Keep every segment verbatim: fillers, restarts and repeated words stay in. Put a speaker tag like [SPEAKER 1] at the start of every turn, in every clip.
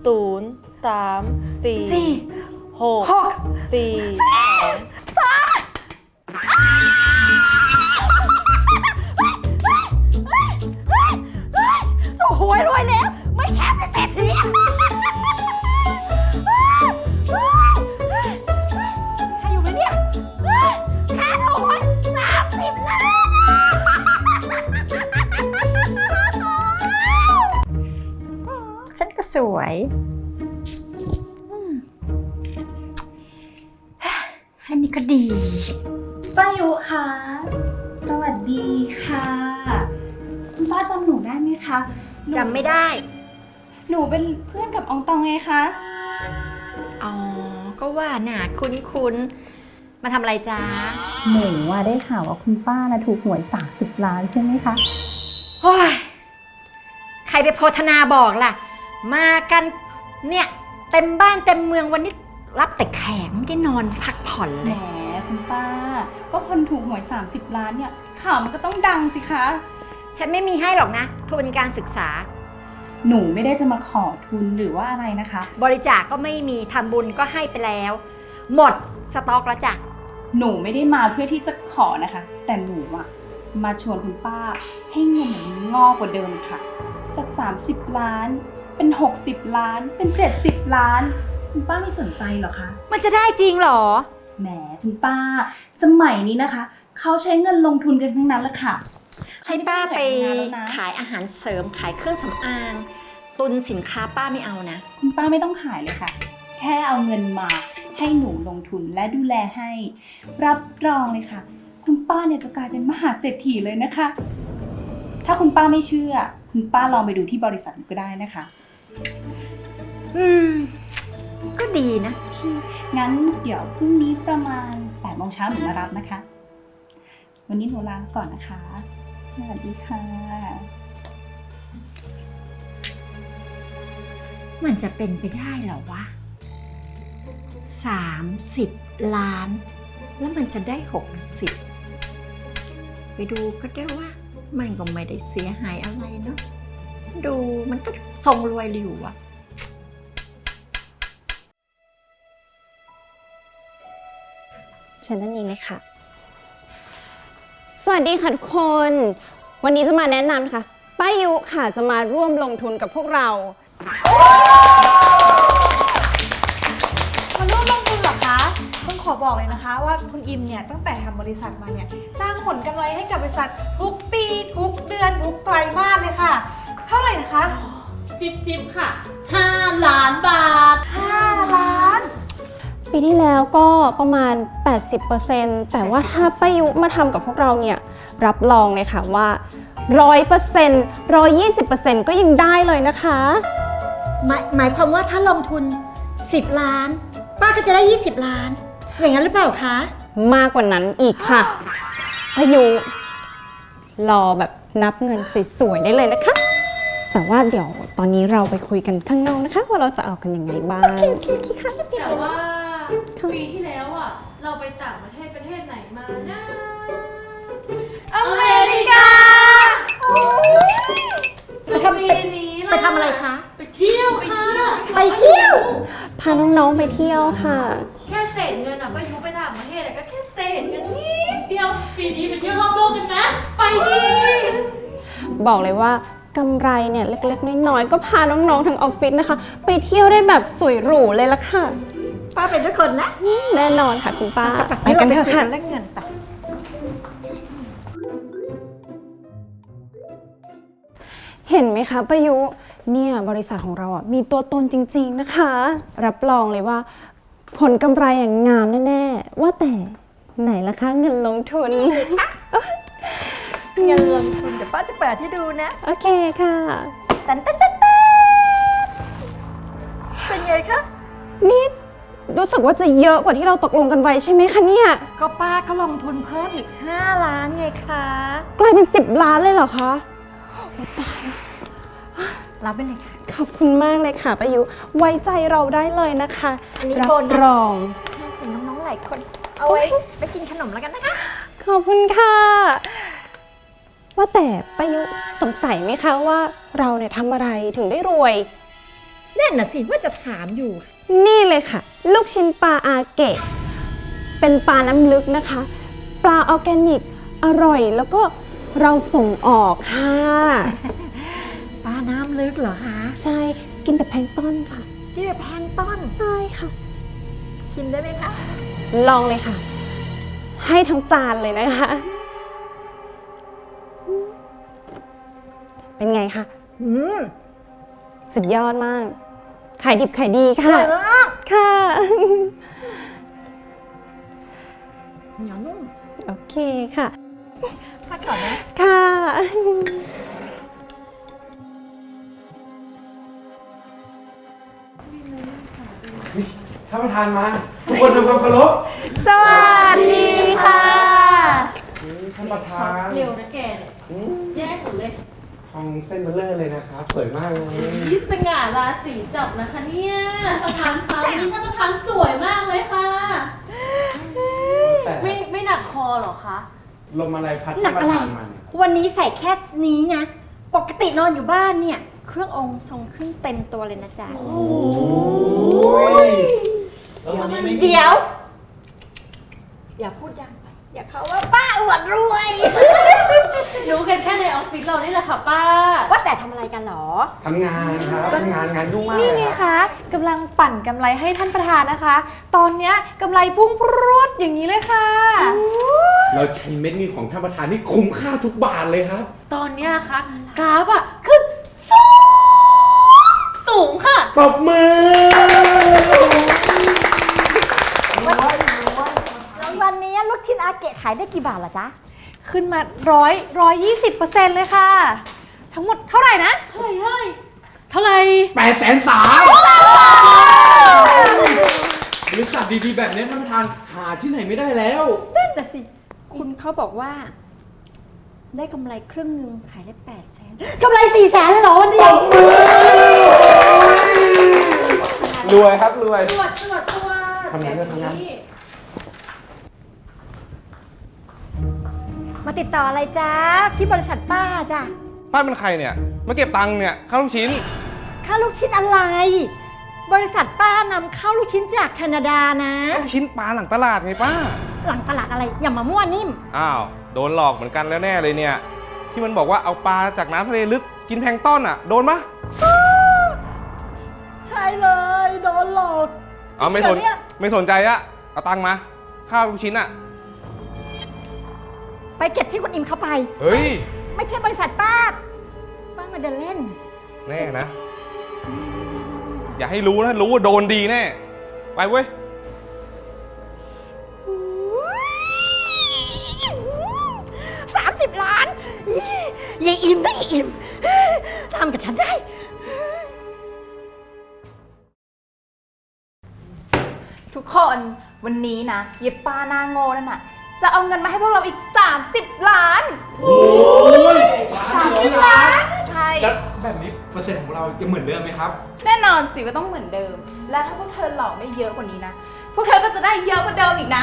[SPEAKER 1] ศูนย์สามสี่หกสี่สอง
[SPEAKER 2] โอ้โหรวยแล้วไม่แคบเป็นเศรษฐีใครอยู่ไหมเนี่ยค่าถูกสามสิบล้านฉันก็สวยเส้นนี้ก็ดี
[SPEAKER 3] ป้ายุคะสวัสดีค่ะคุณป้าจำหนูได้ไหมคะ
[SPEAKER 2] จำไม่ได้
[SPEAKER 3] หนูเป็นเพื่อนกับอองตองไงคะ
[SPEAKER 2] อ๋อ ก็ว่าน่ะคุ้นคุ้นมาทำอะไรจ้า
[SPEAKER 4] หนูว่าได้ข่าวว่าคุณป้านะถูกหวยสามสิบล้านใช่ไหมคะ
[SPEAKER 2] โอ้ยใครไปโพธนาบอกล่ะ มากันเนี่ยเต็มบ้านเต็มเมืองวันนี้รับแต่แขกไม่ได้นอนพักผ่อน
[SPEAKER 3] แห
[SPEAKER 2] เล
[SPEAKER 3] ม
[SPEAKER 2] ย
[SPEAKER 3] คุณป้า ก็คนถูกหวยสามสิบล้านเนี่ยข่าวมันก็ต้องดังสิคะ
[SPEAKER 2] ฉันไม่มีให้หรอกนะทุนการศึกษา
[SPEAKER 3] หนูไม่ได้จะมาขอทุนหรือว่าอะไรนะคะ
[SPEAKER 2] บริจาคก็ไม่มีทำบุญก็ให้ไปแล้ว หมดสต็อกแล้วจ้ะ
[SPEAKER 3] หนูไม่ได้มาเพื่อที่จะขอนะคะ แต่หนูอะมาชวนคุณป้าให้เงินมันงอกกว่าเดิมค่ะ จากสามสิบล้านเป็นหกสิบล้านเป็นเจ็ดสิบล้านคุณป้าไม่สนใจเหรอคะ
[SPEAKER 2] มันจะได้จริงเหรอ
[SPEAKER 3] แหมคุณป้าสมัยนี้นะคะเขาใช้เงินลงทุนกันทั้งนั้นแหละค่ะ
[SPEAKER 2] ให้ป้าไป
[SPEAKER 3] ม่ด้ทำงนแล้วนะ
[SPEAKER 2] ขายอาหารเสริมขายเครื่องสำอางตุนสินค้าป้าไม่เอานะ
[SPEAKER 3] คุณป้าไม่ต้องขายเลยค่ะ แค่เอาเงินมาให้หนูลงทุนและดูแลให้ รับรองเลยค่ะ คุณป้าเนี่ยจะกลายเป็นมหาเศรษฐีเลยนะคะ ถ้าคุณป้าไม่เชื่อ คุณป้าลองไปดูที่บริษัทก็ได้นะคะ
[SPEAKER 2] อืม ก็ดีนะ
[SPEAKER 3] งั้นเดี๋ยวพรุ่งนี้ประมาณแปดโมงเช้าหนูมารับนะคะ วันนี้หนูลาก่อนนะคะ สวัสดีค่ะ
[SPEAKER 2] มันจะเป็นไปได้เหรอวะสามสิบล้าน แล้วมันจะได้หกสิบไปดูก็ได้ว่า มันก็ไม่ได้เสียหายอะไรเนาะดูมันก็ทรงรวยอยู่อะ
[SPEAKER 5] เชิญนั่นเองเลยค่ะ สวัสดีค่ะทุกคน วันนี้จะมาแนะนำนะคะป้ายุค่ะจะมาร่วมลงทุนกับพวกเรา
[SPEAKER 6] มาร่วมลงทุนเหรอคะต้องขอบอกเลยนะคะว่าคุณอิมเนี่ยตั้งแต่ทำบริษัทมาเนี่ยสร้างผลกำไรให้กับบริษัททุกปีทุกเดือนทุกไตรมาสเลยค่ะ เท่าไหร่นะคะ
[SPEAKER 7] จิบจิบค่ะห้าล้านบาท
[SPEAKER 6] ห้าล้าน
[SPEAKER 5] ปีที่แล้วก็ประมาณ แปดสิบเปอร์เซ็นต์ แต่ว่าถ้าป้ายุมาทำกับพวกเราเนี่ยรับรองเลยค่ะว่า ร้อยเปอร์เซ็นต์ ร้อยยี่สิบเปอร์เซ็นต์ ก็ยังได้เลยนะคะ
[SPEAKER 2] หมายหมายความว่าถ้าลงทุนสิบล้าน ป้าก็จะได้ยี่สิบล้าน อย่างนั้นหรือเปล่าคะ
[SPEAKER 5] มากกว่านั้นอีกค่ะป้ายุรอแบบนับเงินสวยๆได้เลยนะคะ แต่ว่าเดี๋ยวตอนนี้เราไปคุยกันข้างนอกนะคะ ว่าเราจะเอากันยังไงบ้าง
[SPEAKER 7] แต่ว่าปีที่แล้วอ่ะ เราไปต่างประเทศประเทศไหนมานะ
[SPEAKER 6] อเมริกา
[SPEAKER 2] ไปทำไปไปทำอะไรคะ
[SPEAKER 7] ไปเที่ยวค่ะ
[SPEAKER 2] ไปเที่ยว
[SPEAKER 5] พาน้องๆไปเที่ยวค่ะ
[SPEAKER 7] แค่เศษเงินอ่ะไปยุไปต่างประเทศอะก็แค่เศษเงินนิดเดียว ปีนี้ไปเที่ยวรอบโลกกันไหมไปดิ
[SPEAKER 5] บอกเลยว่ากำไรเนี่ยเล็กๆน้อยๆก็พาน้องๆทั้งออฟฟิศนะคะ ไปเที่ยวได้แบบสวยหรูเลยละค่ะ
[SPEAKER 2] ป้าเป็นทุกคนนะ
[SPEAKER 5] แน่นอนค่ะคุณป้า
[SPEAKER 2] ไปกันเถอะค่ะ
[SPEAKER 6] เล่นเงินไป
[SPEAKER 5] เห็นไหมคะป้ายุเนี่ยบริษัทของเราอ่ะมีตัวตนจริงๆนะคะ รับรองเลยว่า ผลกำไรอย่างงามแน่ๆว่าแต่ไหนล่ะคะเงินลงทุน
[SPEAKER 2] เงินลงทุนเดี๋ยวป้าจะเปิดให้ดูนะ
[SPEAKER 5] โอเคค่ะ
[SPEAKER 2] ตันตันตันตันเป็นไงคะ
[SPEAKER 5] นี่รู้สึกว่าจะเยอะกว่าที่เราตกลงกันไว้ใช่ไหมคะเนี่ย
[SPEAKER 2] ก็ป้าก็ลงทุนเพิ่มอีกห้าล้านไงคะ
[SPEAKER 5] กลายเป็นสิบล้านเลยเหรอคะโอ้ตาย
[SPEAKER 2] รับไปเลยค่ะ
[SPEAKER 5] ขอบคุณมากเลยค่ะป้ายุไว้ใจเราได้เลยนะคะ
[SPEAKER 2] อันนี้
[SPEAKER 5] รับ
[SPEAKER 2] โบนัส
[SPEAKER 5] รอง
[SPEAKER 2] เห็นน้องๆหลายคน เอาไว้ไปกินขนมแล้วกันนะคะ
[SPEAKER 5] ขอบคุณค่ะ ว่าแต่ป้ายุสงสัยไหมคะว่าเราเนี่ยทำอะไรถึงได้รวย
[SPEAKER 2] นั่นน่ะสิว่าจะถามอยู่
[SPEAKER 5] นี่เลยค่ะ ลูกชิ้นปลาอาเกะ เป็นปลาน้ำลึกนะคะ ปลาออร์แกนิก อร่อยแล้วก็เราส่งออกค่ะ
[SPEAKER 2] ปลาน้ำลึกเหรอคะ
[SPEAKER 5] ใช่กินแต่แพลงก์ต้นค่ะ
[SPEAKER 2] ที่แบบแพลงก์ต้น
[SPEAKER 5] ใช่ค่ะ
[SPEAKER 2] ชิมได้ไหมคะ
[SPEAKER 5] ลองเลยค่ะ ให้ทั้งจานเลยนะคะ เป็นไงคะ
[SPEAKER 2] อืม
[SPEAKER 5] สุดยอดมาก ขายดิบขายดีค่ะ
[SPEAKER 2] อร่อยมาก
[SPEAKER 5] ค่ะ
[SPEAKER 2] เหนียวนุ่ม
[SPEAKER 5] โอเคค่ะ
[SPEAKER 2] พักก่อนนะ
[SPEAKER 5] ค่ะ
[SPEAKER 8] ท่านประธานมา ทุกคนทำความเคารพ
[SPEAKER 6] สวัสดีค่ะ
[SPEAKER 8] ท่านประธาน
[SPEAKER 7] เร็วนะแกเนี่ยแยกหมดเลย
[SPEAKER 8] ทองเส้นเบลเลอร์เลยนะครับสวยมากเลย
[SPEAKER 7] ยิสง่าราศีจับนะคะเนี่ยท่านประธานคะวันนี้ท่านประธานสวยมากเลยค่ะ
[SPEAKER 8] แต่
[SPEAKER 7] ไม่ไม่หนักคอเหรอคะ
[SPEAKER 8] ลมอะไรพัด
[SPEAKER 2] หนั
[SPEAKER 8] ท่าก นป
[SPEAKER 2] อะไร
[SPEAKER 8] ระธานมาเนี่ย
[SPEAKER 2] วันนี้ใส่แค่นี้นะ ปกตินอนอยู่บ้านเนี่ย เครื่ององค์ทรงเครื่องเต็มตัวเลยนะจ๊ะ
[SPEAKER 8] โอ้ยแล้ววันนี้ไม่มี
[SPEAKER 2] เดี๋ยว อย่าพูดดังไป อย่าเขาว่าป้าอวดรวย
[SPEAKER 7] รู้กันแค่ในออฟฟิศเรานี่แหละค่ะป้า
[SPEAKER 2] ว่าแต่ทำอะไรกันหรอ
[SPEAKER 8] ทำงานครับทำงานงานยุ่งมาก
[SPEAKER 6] นี่
[SPEAKER 8] เลย
[SPEAKER 6] ไง
[SPEAKER 8] ครับ
[SPEAKER 6] คะกำลังปั่นกำไรให้ท่านประธานนะคะ ตอนเนี้ยกำไรพุ่งพรวดอย่างนี้เลยค่ะ
[SPEAKER 8] เราใช้เม็ดเงินของท่านประธานที่คุ้มค่าทุกบาทเลยครับ
[SPEAKER 7] ตอนเนี้ยค่ะกราฟอะขึ้นสูงสูงค่ะ
[SPEAKER 8] ตบมือ
[SPEAKER 2] แล้ววันนี้ลูกชิ้นอาเกะขายได้กี่บาทล่ะจ๊ะ
[SPEAKER 6] ขึ้นมาร้อยร้อยยี่สิบเปอร์เซ็นต์เลยค่ะ ทั้งหมดเท่าไหร่นะ
[SPEAKER 7] เท่าไหร่เท่าไหร่เท่าไหร่
[SPEAKER 8] แปดแสนสามบริษัทดีๆแบบนี้ท่านประธานหาที่ไหนไม่ได้แล้ว
[SPEAKER 2] นั่นน่ะสิ คุณเขาบอกว่า ได้กำไรครึ่งหนึ่งขายได้แปดแสนกำไรสี่แสนเลยเหรอวันเดียว
[SPEAKER 8] รวยครับรวย
[SPEAKER 7] ตรวจตรวจตรวจ
[SPEAKER 8] ทำงานด้วยทำงาน
[SPEAKER 2] มาติดต่ออะไรจ๊ะ ที่บริษัทป้าจ้ะ
[SPEAKER 9] ป้าเป็นใครเนี่ย มาเก็บตังค์เนี่ยค่าลูกชิ้น
[SPEAKER 2] ค่าลูกชิ้นอะไร บริษัทป้านำเข้าลูกชิ้นจากแคนาดานะ
[SPEAKER 9] ลูกชิ้นปลาหลังตลาดไงป้า
[SPEAKER 2] หลังตลาดอะไร อย่ามามั่วนิ่ม
[SPEAKER 9] อ้าว โดนหลอกเหมือนกันแล้วแน่เลยเนี่ย ที่มันบอกว่าเอาปลาจากน้ำทะเลลึกกินแพลงก์ต้นอ่ะ โดนปะ
[SPEAKER 2] ใช่เลย โดนหลอก
[SPEAKER 9] เอาไม่สน
[SPEAKER 2] จริงเหรอเนี่ย
[SPEAKER 9] ไม่สนใจอะเอาตังค์มาค่าลูกชิ้นอะ
[SPEAKER 2] ไปเก็บที่คุณอิมเข้าไป
[SPEAKER 9] เฮ้ย
[SPEAKER 2] ไม่ใช่บริษัทป้า ป้ามาเดินเล่น
[SPEAKER 9] แน่นะ อย่าให้รู้นะ รู้ว่าโดนดีแน่ ไปเว้ย
[SPEAKER 2] สามสิบล้านยายอิมได้ยายอิมทำกับฉันได้
[SPEAKER 3] ทุกคนวันนี้นะเย็บป้าหน้าโง่นั่นน่ะ จะเอาเงินมาให้พวกเราอีก สามสิบ ล้าน
[SPEAKER 8] โอ้ยสามสิบล้าน
[SPEAKER 3] ใช่
[SPEAKER 8] แล้วแบบนี้เปอร์เซ็นต์ของเราจะเหมือนเดิมไหมครับ
[SPEAKER 3] แน่นอนสิว่าต้องเหมือนเดิม และถ้าพวกเธอหลอกได้เยอะกว่านี้นะ พวกเธอก็จะได้เยอะกว่าเดิมอีกนะ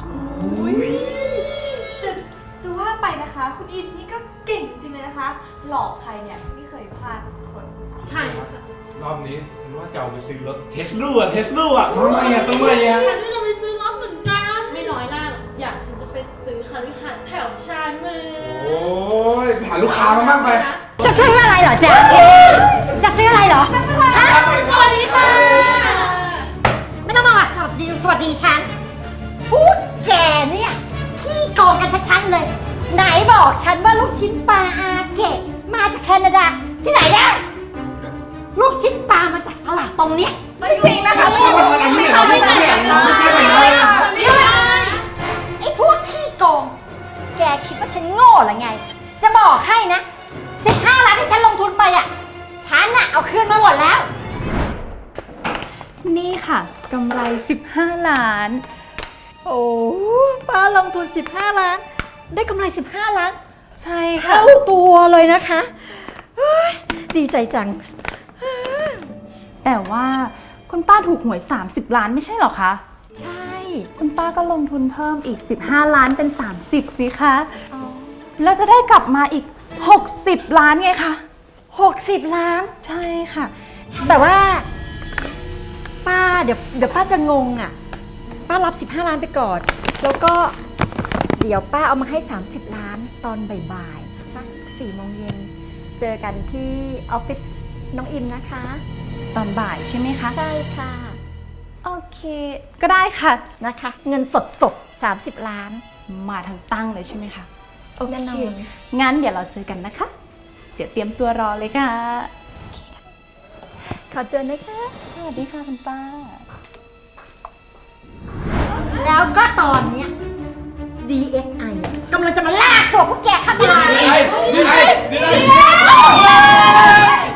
[SPEAKER 6] จะจะว่าไปนะคะ คุณอิมนี่ก็เก่งจริงเลยนะคะ หลอกใครเนี่ยไม่เคยพลาดสักคน
[SPEAKER 7] ใช่ค่ะ
[SPEAKER 8] รอบนี้ฉันว่าจะเอาไปซื้อรถเทสลาเทสลาอ่ะทำไมอ่ะทำไมอ่ะ
[SPEAKER 7] ฉันก็จะไปซื้อรถเหมือนกัน ไม่น้อยหน้าหรอกอยากฉันจะไปซื้อคฤหาสน์แถวชานเมือง
[SPEAKER 8] โอ้ยไปหาลูกค้ามาบ้างไป
[SPEAKER 2] จะซื้ออะไรเหรอจ๊ะ จะซื้ออะไรเหรอฮะ
[SPEAKER 7] สวัสดีค่ะ
[SPEAKER 2] ไม่ต้องมาสวัสดีสวัสดีฉัน พูดแกเนี่ยขี้โกงกันชัดๆเลย ไหนบอกฉันว่าลูกชิ้นปลาอาเกะมาจากแคนาดา ที่ไหนเนี่ยลูกชิ้นปลามาจากตลาดตรงเนี้ย
[SPEAKER 3] ไม่จริงนะคะ
[SPEAKER 8] ไม่ใช่ไม่ใช่ไม่ใช่ไม่ใช่ไม่ใช่ไม่ใช่
[SPEAKER 2] ไอ้พวกขี้โกง แกคิดว่าฉันโง่หรือไง จะบอกให้นะสิบห้าล้านที่ฉันลงทุนไปอ่ะ ฉันน่ะเอาคืนมาหมดแล้ว
[SPEAKER 3] นี่ค่ะกำไรสิบห้าล้าน
[SPEAKER 2] โอ้ป้าลงทุนสิบห้าล้าน ได้กำไรสิบห้าล้าน
[SPEAKER 3] ใช่ค่ะ
[SPEAKER 2] เท่าตัวเลยนะคะเฮ้ยดีใจจัง
[SPEAKER 3] แต่ว่าคุณป้าถูกหวย สามสิบ ล้านไม่ใช่เหรอคะ
[SPEAKER 2] ใช่
[SPEAKER 3] คุณป้าก็ลงทุนเพิ่มอีก สิบห้า ล้านเป็น สามสิบ สิคะแล้วจะได้กลับมาอีก หกสิบ ล้านไงคะ
[SPEAKER 2] หกสิบล้าน
[SPEAKER 3] ใช่ค่ะ
[SPEAKER 2] แต่ว่าเดี๋ยวเดี๋ยวป้าจะงงอ่ะ ป้ารับสิบห้าล้านไปก่อน แล้วก็เดี๋ยวป้าเอามาให้สามสิบล้านตอนบ่ายๆสักสี่โมงเย็นเจอกันที่ออฟฟิศน้องอิมนะคะ
[SPEAKER 3] ตอนบ่ายใช่ไหมคะ
[SPEAKER 2] ใช่ค่ะ
[SPEAKER 3] โอเค ก็ได้ค่ะ
[SPEAKER 2] นะคะ เงินสดสดสามสิบล้าน
[SPEAKER 3] มาทางตั้งเลยใช่ไหมคะ โอ
[SPEAKER 2] แน่น
[SPEAKER 3] เค
[SPEAKER 2] อน
[SPEAKER 3] งั้นเดี๋ยวเราเจอกันนะคะ เดี๋ยวเตรียมตัวรอเลยค่ะ
[SPEAKER 2] ขอตัวนะคะ
[SPEAKER 3] สวัสดีค่ะคุณป้า
[SPEAKER 2] แล้วก็ตอนเนี้ย ดี เอส ไอ กำลังจะมาลากตัวพวกแกเข้าตลาด
[SPEAKER 8] นี่ไงนี่ไงนี่ไง